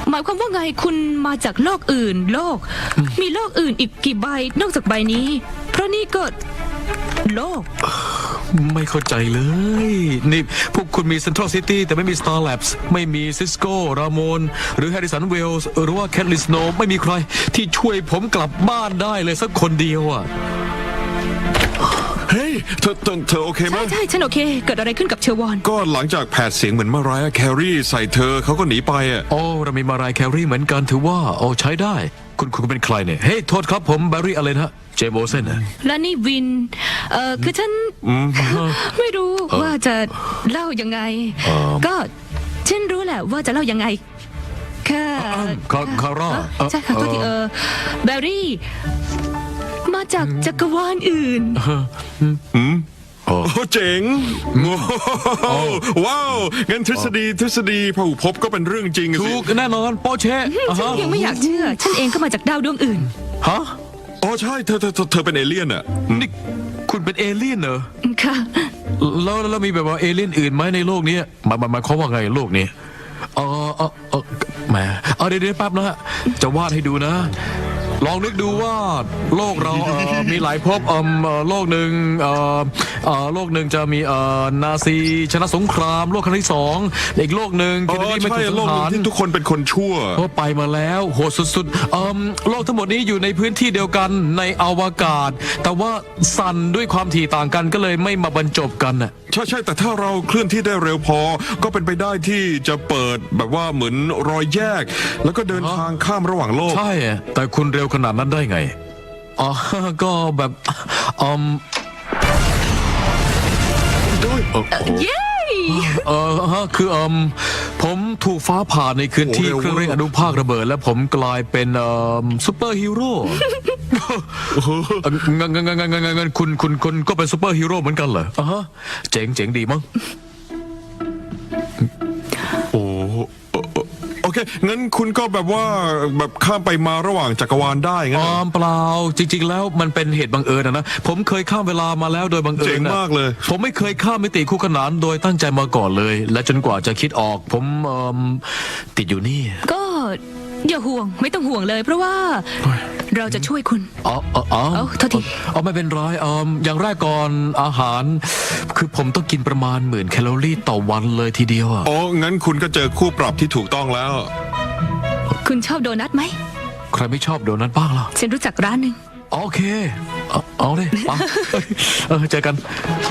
หมายความว่าไงคุณมาจากโลกอื่นมีโลกอื่นอีกกี่ใบนอกจากใบนี้ เพราะนี่ก็โลกไม่เข้าใจเลยนี่พวกคุณมี Central City แต่ไม่มี Star Labs ไม่มี Cisco รามอนหรือ Harrison Wells หรือว่า Kathleen Snow ไม่มีใครที่ช่วยผมกลับบ้านได้เลยสักคนเดียวอ่ะเฮ้ยเธอโอเคไหมใช่ฉันโอเค เกิดอะไรขึ้นกับเชอร์วอนก็หลังจากแผดเสียงเหมือนมารายแครี่ใส่เธอเขาก็หนีไปอ่ะโอ้เรามีมารายแครีเหมือนกันถือว่าโอ้ใช้ได้คุณเป็นใครเนี่ยเฮ้ยโทษครับผมแบร์รี่อะไรนะเจมโบเซนนะและนี่วินคือฉันไม่รู้ว่าจะเล่ายังไง ก็ฉันรู้แหละว่าจะเล่ายังไงแค่คาร่าใช่ค่ะก็ที่แบร์รี่มาจากจักรวาลอื่นโอ้เจ๋งว้าวงั้นทฤษฎีพหุภพก็เป็นเรื่องจริงสิถูกแน่นอนโปเช่ฉันยังไม่อยากเชื่อ ฉันเองก็มาจากดาวดวงอื่นฮะอ๋อใช่เธอเป็นเอเลี่ยนอ่ะนี่คุณเป็นเอเลี่ยนเหรอค่ะแล้วมีแบบว่าเอเลี่ยนอื่นไหมในโลกนี้หมายความว่าไงโลกนี้แหมเดี๋ยวแป๊บนะฮะจะวาดให้ดูนะ ลองนึกดูว่าโลกเรามีหลายภพโลกหนึ่งจะมีนาซีชนะสงครามโลกครั้งที่2อีกโลกหนึ่งอ๋เคนเนอดีไม่ใช่ถูกสัโลงกหนึ่หาง รที่ทุกคนเป็นคนชั่วก็ไปมาแล้วโหดสุดๆโลกทั้งหมดนี้อยู่ในพื้นที่เดียวกันในอวกาศ แต่ว่าสั่นด้วยความถี่ต่างกันก็เลยไม่มาบรรจบกันน่ะใช่แต่ถ้าเราเคลื่อนที่ได้เร็วพอ ก็เป็นไปได้ที่จะเปิดแบบว่าเหมือนรอยแยก แล้วก็เดินทางข้ามระหว่างโลกใช่แต่คุณเร็วขนาดนั้นได้ไงก็แบบเย้คือผมถูกฟ้าผ่าในคืนที่เครื่องเร่งอนุภาคระเบิด และผมกลายเป็นซูเปอร์ฮีโร่งั้นคุณก็เป็นซูเปอร์ฮีโร่เหมือนกันเหรอเจ๋งดีมั้งโอ้โอเคงั้นคุณก็แบบว่าแบบข้ามไปมาระหว่างจักรวาลได้งั้นเหรอเปล่าจริงๆแล้วมันเป็นเหตุบังเอิญนะผมเคยข้ามเวลามาแล้วโดยบังเอิญเจ๋งมากเลยผมไม่เคยข้ามมิติคู่ขนานโดยตั้งใจมาก่อนเลย และจนกว่าจะคิดออกผมติดอยู่นี่ก็อย่าห่วงไม่ต้องห่วงเลย เพราะว่าเราจะช่วยคุณ โทษทีไม่เป็นไรอย่างแรกก่อนอาหาร คือผมต้องกินประมาณ10,000 แคลอรี่ต่อวันเลยทีเดียวอ่ะอ๋องั้นคุณก็เจอคู่ปรับที่ถูกต้องแล้วคุณชอบโดนัทไหมใครไม่ชอบโดนัทบ้างล่ะฉันรู้จักร้านหนึ่งโอเคเอาเลยไปเจอกัน